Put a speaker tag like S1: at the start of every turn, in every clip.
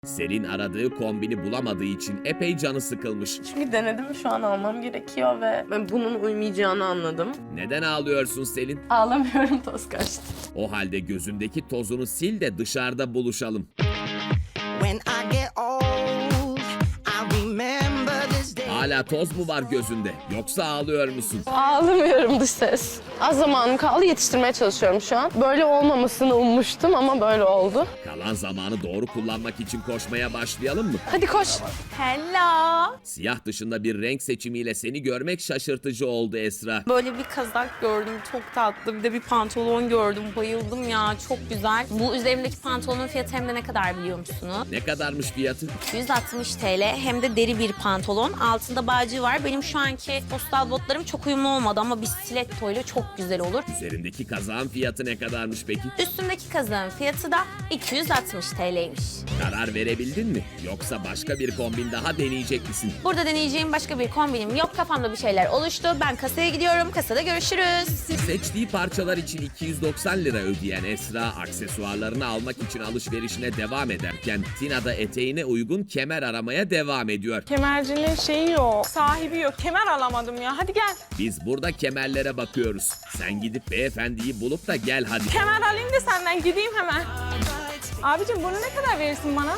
S1: Selin aradığı kombini bulamadığı için epey canı sıkılmış.
S2: Çünkü denedim, şu an almam gerekiyor ve ben bunun uymayacağını anladım.
S1: Neden ağlıyorsun Selin?
S2: Ağlamıyorum, toz kaçtı.
S1: O halde gözündeki tozunu sil de dışarıda buluşalım.
S3: When I get old, I remember this day.
S1: Hala toz mu var gözünde? Yoksa ağlıyor musun?
S2: Ağlamıyorum, dış ses. Az zamanım kaldı, yetiştirmeye çalışıyorum şu an. Böyle olmamasını ummuştum ama böyle oldu.
S1: Kalan zamanı doğru kullanmak için koşmaya başlayalım mı?
S2: Hadi koş.
S4: Hello.
S1: Siyah dışında bir renk seçimiyle seni görmek şaşırtıcı oldu Esra.
S4: Böyle bir kazak gördüm, çok tatlı. Bir de bir pantolon gördüm, bayıldım ya, çok güzel. Bu üzerimdeki pantolonun fiyatı hem de ne kadar biliyor musunuz?
S1: Ne kadarmış fiyatı?
S4: 160 TL, hem de deri bir pantolon. Altında bağcığı var. Benim şu anki postal botlarım çok uyumlu olmadı ama bir stiletto ile çok güzel olur.
S1: Üzerindeki kazağın fiyatı ne kadarmış peki?
S4: Üstümdeki kazağın fiyatı da 260 TL'ymiş.
S1: Karar verebildin mi? Yoksa başka bir kombin daha deneyecek misin?
S4: Burada deneyeceğim başka bir kombinim yok. Kafamda bir şeyler oluştu. Ben kasaya gidiyorum. Kasada görüşürüz.
S1: Seçtiği parçalar için 290 lira ödeyen Esra, aksesuarlarını almak için alışverişine devam ederken Tina da eteğine uygun kemer aramaya devam ediyor.
S5: Kemercinin şeyi yok, sahibi yok. Kemer alamadım ya. Hadi gel.
S1: Biz burada kemerlere bakıyoruz. Sen gidip beyefendiyi bulup da gel hadi.
S5: Kemer alayım da senden gideyim hemen. Abicim bunu ne kadar verirsin bana?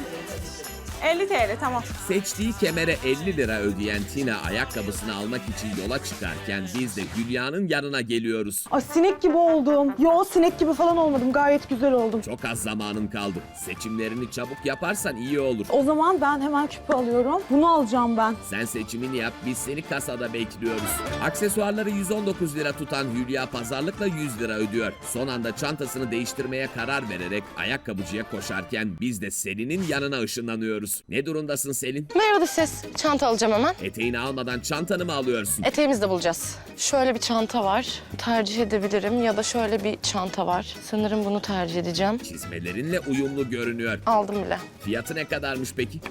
S5: 50 TL tamam.
S1: Seçtiği kemere 50 lira ödeyen Tina ayakkabısını almak için yola çıkarken biz de Hülya'nın yanına geliyoruz.
S6: Ay sinek gibi oldum. Yo sinek gibi falan olmadım. Gayet güzel oldum.
S1: Çok az zamanın kaldı. Seçimlerini çabuk yaparsan iyi olur.
S6: O zaman ben hemen küpe alıyorum. Bunu alacağım ben.
S1: Sen seçimini yap, biz seni kasada bekliyoruz. Aksesuarları 119 lira tutan Hülya pazarlıkla 100 lira ödüyor. Son anda çantasını değiştirmeye karar vererek ayakkabıcıya koşarken biz de Selin'in yanına ışınlanıyoruz. Ne durumdasın Selin?
S2: Merhaba dış ses. Çanta alacağım hemen.
S1: Eteğini almadan çantanı mı alıyorsun?
S2: Eteğimizi de bulacağız. Şöyle bir çanta var. Tercih edebilirim ya da şöyle bir çanta var. Sanırım bunu tercih edeceğim.
S1: Çizmelerinle uyumlu görünüyor.
S2: Aldım bile.
S1: Fiyatı ne kadarmış peki?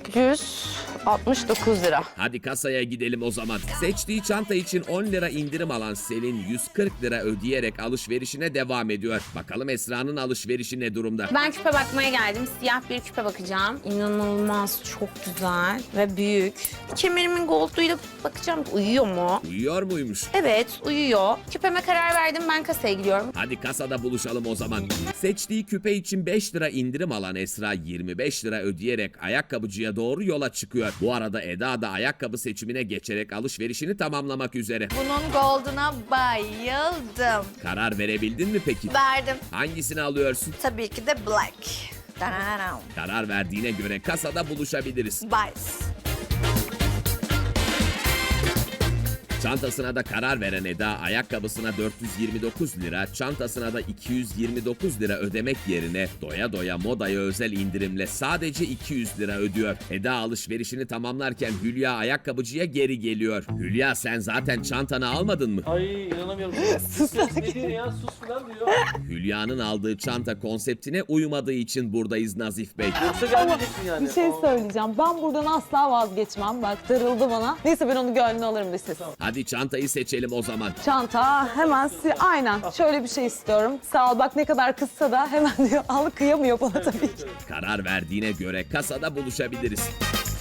S2: 169 lira.
S1: Hadi kasaya gidelim o zaman. Seçtiği çanta için 10 lira indirim alan Selin 140 lira ödeyerek alışverişine devam ediyor. Bakalım Esra'nın alışverişi ne durumda?
S4: Ben küpe bakmaya geldim. Siyah bir küpe bakacağım. İnanılmaz çok güzel ve büyük. Kemerimin gold'uyla bakacağım. Uyuyor mu?
S1: Uyuyor muymuş?
S4: Evet, uyuyor. Küpeme karar verdim. Ben kasaya gidiyorum.
S1: Hadi kasada buluşalım o zaman. Seçtiği küpe için 5 lira indirim alan Esra 25 lira ödeyerek ayakkabıcıya doğru yola çıkıyor. Bu arada Eda da ayakkabı seçimine geçerek alışverişini tamamlamak üzere.
S7: Bunun gold'una bayıldım.
S1: Karar verebildin mi peki?
S7: Verdim.
S1: Hangisini alıyorsun?
S7: Tabii ki de black. Dananam.
S1: Karar verdiğine göre kasada buluşabiliriz.
S7: Bice.
S1: Çantasına da karar veren Eda ayakkabısına 429 lira, çantasına da 229 lira ödemek yerine doya doya modaya özel indirimle sadece 200 lira ödüyor. Eda alışverişini tamamlarken Hülya ayakkabıcıya geri geliyor. Hülya sen zaten çantanı almadın mı?
S8: Ay inanamıyorum. Sus ne diyor ya? Sus falan diyor.
S1: Hülya'nın aldığı çanta konseptine uymadığı için buradayız Nazif Bey.
S8: Yoksa gelmeyeceksin yani.
S6: Bir şey söyleyeceğim. Ben buradan asla vazgeçmem. Bak darıldı bana. Neyse ben onu gönlüne alırım bir ses.
S1: Hadi çantayı seçelim o zaman.
S6: Çanta hemen aynen şöyle bir şey istiyorum. Sağ ol bak ne kadar kızsa da hemen diyor al kıyamıyor bana tabii ki.
S1: Karar verdiğine göre kasada buluşabiliriz.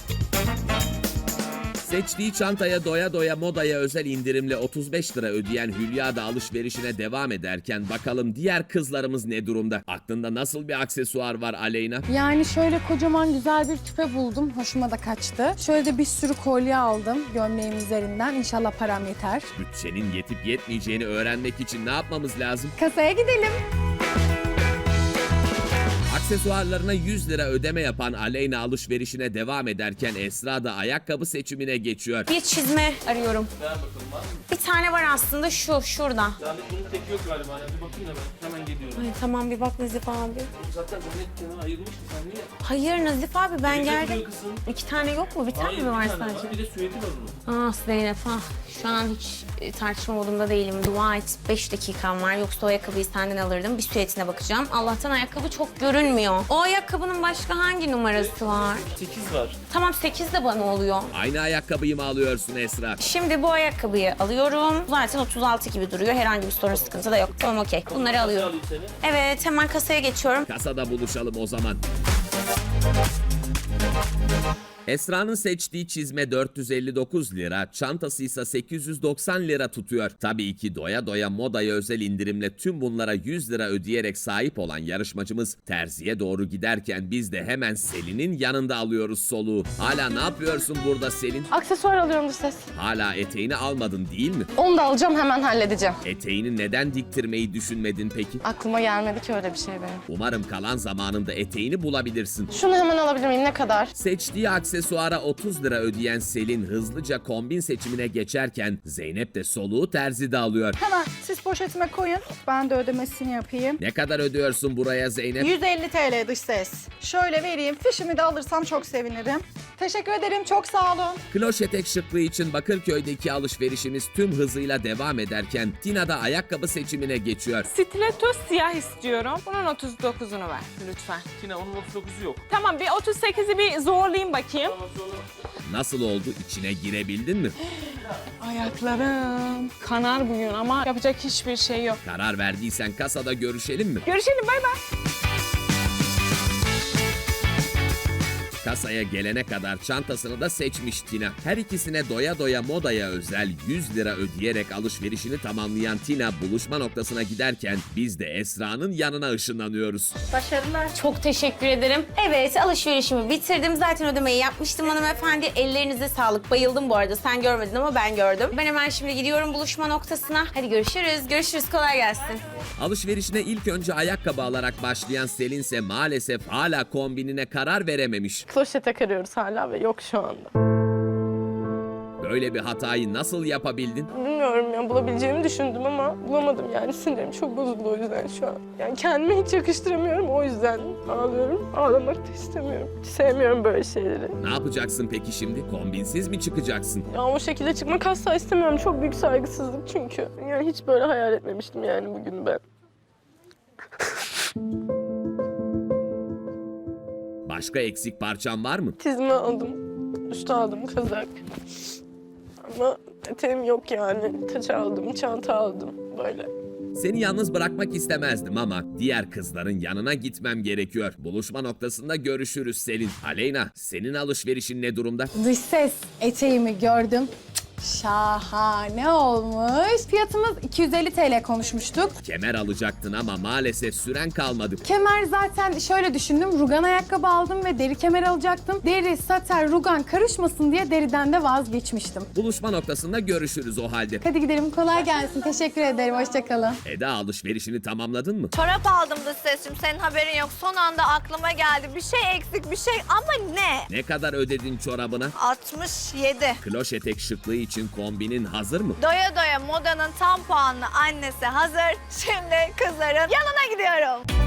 S1: Seçtiği çantaya doya doya modaya özel indirimle 35 lira ödeyen Hülya da alışverişine devam ederken bakalım diğer kızlarımız ne durumda? Aklında nasıl bir aksesuar var Aleyna?
S9: Yani şöyle kocaman güzel bir küpe buldum. Hoşuma da kaçtı. Şöyle de bir sürü kolye aldım gömleğim üzerinden. İnşallah param yeter.
S1: Bütçenin yetip yetmeyeceğini öğrenmek için ne yapmamız lazım?
S9: Kasaya gidelim.
S1: Aksesuarlarına 100 lira ödeme yapan Aleyna alışverişine devam ederken Esra da ayakkabı seçimine geçiyor.
S4: Bir çizme arıyorum.
S8: Ver bakalım var mı?
S4: Bir tane var aslında şurada.
S8: Yani bunun teki yok galiba. Yani bir bakayım da ben hemen geliyorum.
S4: Ay tamam bir bak Nazif abi.
S8: Zaten gömlek kenara ayırmıştı sen niye?
S4: Hayır Nazif abi ben
S8: Güzel
S4: geldim.
S8: duruyor kızım.
S4: 2 tane yok mu? Bir tane
S8: Hayır,
S4: mi var
S8: bir tane
S4: sadece?
S8: var. Bir de süveti var onun.
S4: Ah Zeynep ah. Şu an hiç tartışma modunda değilim. Dua et 5 dakikam var. Yoksa o ayakkabıyı senden alırdım. Bir süetine bakacağım. Allah'tan ayakkabı çok görünmüyor. O ayakkabının başka hangi numarası var?
S8: 8 var.
S4: Tamam 8 de bana oluyor.
S1: Aynı ayakkabıyı mı alıyorsun Esra?
S4: Şimdi bu ayakkabıyı alıyorum. Zaten 36 gibi duruyor. Herhangi bir sorun sıkıntı da yok. Tamam okey. Bunları alıyorum.
S8: Alayım seni.
S4: Evet hemen kasaya geçiyorum.
S1: Kasada buluşalım o zaman. Esra'nın seçtiği çizme 459 lira, çantası ise 890 lira tutuyor. Tabii ki doya doya modaya özel indirimle tüm bunlara 100 lira ödeyerek sahip olan yarışmacımız terziye doğru giderken biz de hemen Selin'in yanında alıyoruz soluğu. Hala ne yapıyorsun burada Selin?
S2: Aksesuar alıyorum dış ses.
S1: Hala eteğini almadın değil mi?
S2: Onu da alacağım, hemen halledeceğim.
S1: Eteğini neden diktirmeyi düşünmedin peki?
S2: Aklıma gelmedi ki öyle bir şey benim.
S1: Umarım kalan zamanında eteğini bulabilirsin.
S2: Şunu hemen alabilir miyim? Ne kadar?
S1: Seçtiği aksesuara 30 lira ödeyen Selin hızlıca kombin seçimine geçerken Zeynep de soluğu terzide alıyor.
S10: Hemen siz poşetime koyun. Ben de ödemesini yapayım.
S1: Ne kadar ödüyorsun buraya Zeynep?
S10: 150 TL dış ses. Şöyle vereyim. Fişimi de alırsam çok sevinirim. Teşekkür ederim. Çok sağ olun.
S1: Kloş etek şıklığı için Bakırköy'deki alışverişimiz tüm hızıyla devam ederken Tina da ayakkabı seçimine geçiyor.
S5: Stiletto siyah istiyorum. Bunun 39'unu ver lütfen.
S8: Tina onun 39'u yok.
S5: Tamam, bir 38'i bir zorlayayım bakayım.
S1: Nasıl oldu? İçine girebildin mi?
S5: Ayaklarım kanar bugün ama yapacak hiçbir şey yok.
S1: Karar verdiysen kasada görüşelim mi?
S5: Görüşelim, bay bay.
S1: Kasaya gelene kadar çantasını da seçmiş Tina. Her ikisine doya doya modaya özel 100 lira ödeyerek alışverişini tamamlayan Tina buluşma noktasına giderken biz de Esra'nın yanına ışınlanıyoruz.
S7: Başarılar.
S4: Çok teşekkür ederim. Evet, alışverişimi bitirdim. Zaten ödemeyi yapmıştım hanımefendi. Ellerinize sağlık. Bayıldım bu arada. Sen görmedin ama ben gördüm. Ben hemen şimdi gidiyorum buluşma noktasına. Hadi görüşürüz. Görüşürüz. Kolay gelsin.
S1: Alışverişine ilk önce ayakkabı alarak başlayan Selin ise maalesef hala kombinine karar verememiş.
S2: Kloşete arıyoruz hala ve yok şu anda.
S1: Böyle bir hatayı nasıl yapabildin?
S2: Bilmiyorum ya, bulabileceğimi düşündüm ama bulamadım yani. Sinirim çok bozuldu o yüzden şu an. Yani kendime hiç yakıştıramıyorum, o yüzden ağlıyorum. Ağlamak da istemiyorum. Hiç sevmiyorum böyle şeyleri.
S1: Ne yapacaksın peki şimdi? Kombinsiz mi çıkacaksın?
S2: Ya o şekilde çıkmak asla istemiyorum. Çok büyük saygısızlık çünkü. Yani hiç böyle hayal etmemiştim yani bugün ben.
S1: Başka eksik parçan var mı?
S2: Çizme aldım, üstü aldım, kazak. Ama eteğim yok yani. Taç aldım, çanta aldım böyle.
S1: Seni yalnız bırakmak istemezdim ama diğer kızların yanına gitmem gerekiyor. Buluşma noktasında görüşürüz Selin. Aleyna, senin alışverişin ne durumda?
S9: Dış ses eteğimi gördüm. Şahane olmuş. Fiyatımız 250 TL konuşmuştuk.
S1: Kemer alacaktın ama maalesef süren kalmadı.
S9: Kemer zaten şöyle düşündüm. Rugan ayakkabı aldım ve deri kemer alacaktım. Deri, saten, rugan karışmasın diye deriden de vazgeçmiştim.
S1: Buluşma noktasında görüşürüz o halde.
S9: Hadi gidelim. Kolay gelsin. Teşekkür ederim. Hoşçakalın.
S1: Eda alışverişini tamamladın mı?
S7: Çorap aldım dış sesim. Senin haberin yok. Son anda aklıma geldi. Bir şey eksik, bir şey ama ne?
S1: Ne kadar ödedin çorabına?
S7: 67.
S1: Kloş etek şıklığı için kombinin hazır mı?
S7: Doya doya modanın tam puanlı annesi hazır. Şimdi kızların yanına gidiyorum.